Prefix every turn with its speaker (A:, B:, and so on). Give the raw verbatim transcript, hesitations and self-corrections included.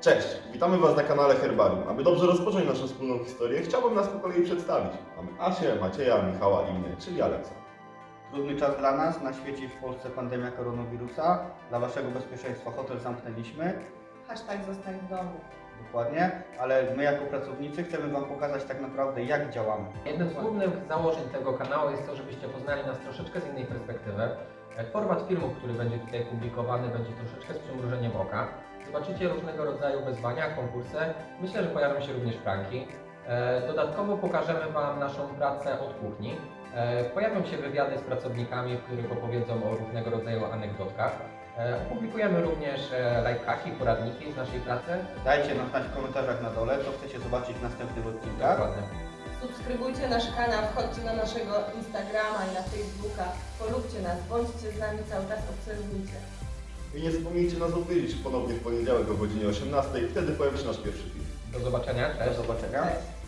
A: Cześć, witamy Was na kanale Herbarium. Aby dobrze rozpocząć naszą wspólną historię, chciałbym nas po kolei przedstawić. Mamy Asię, Macieja, Michała i mnie, czyli Aleksa.
B: Trudny czas dla nas, na świecie i w Polsce pandemia koronawirusa. Dla Waszego bezpieczeństwa hotel zamknęliśmy,
C: Hashtag zostań w domu.
B: dokładnie, ale my jako pracownicy chcemy Wam pokazać tak naprawdę jak działamy.
D: Jednym z głównych założeń tego kanału jest to, żebyście poznali nas troszeczkę z innej perspektywy. Format filmu, który będzie tutaj publikowany, będzie troszeczkę z przymrużeniem oka. Zobaczycie różnego rodzaju wyzwania, konkursy. Myślę, że pojawią się również pranki. Dodatkowo pokażemy Wam naszą pracę od kuchni. Pojawią się wywiady z pracownikami, w których opowiedzą o różnego rodzaju anegdotkach. Opublikujemy również lifehacki, poradniki z naszej pracy.
B: Dajcie nam znać w komentarzach na dole, co chcecie zobaczyć w następnych odcinkach.
D: Dokładnie.
C: Subskrybujcie nasz kanał, wchodźcie na naszego Instagrama i na Facebooka, polubcie nas, bądźcie z nami cały czas, obserwujcie.
A: I nie zapomnijcie nas odwiedzić ponownie w poniedziałek o godzinie osiemnastej, wtedy pojawi się nasz pierwszy film.
D: Do zobaczenia. Cześć.
B: Do zobaczenia.
C: Cześć.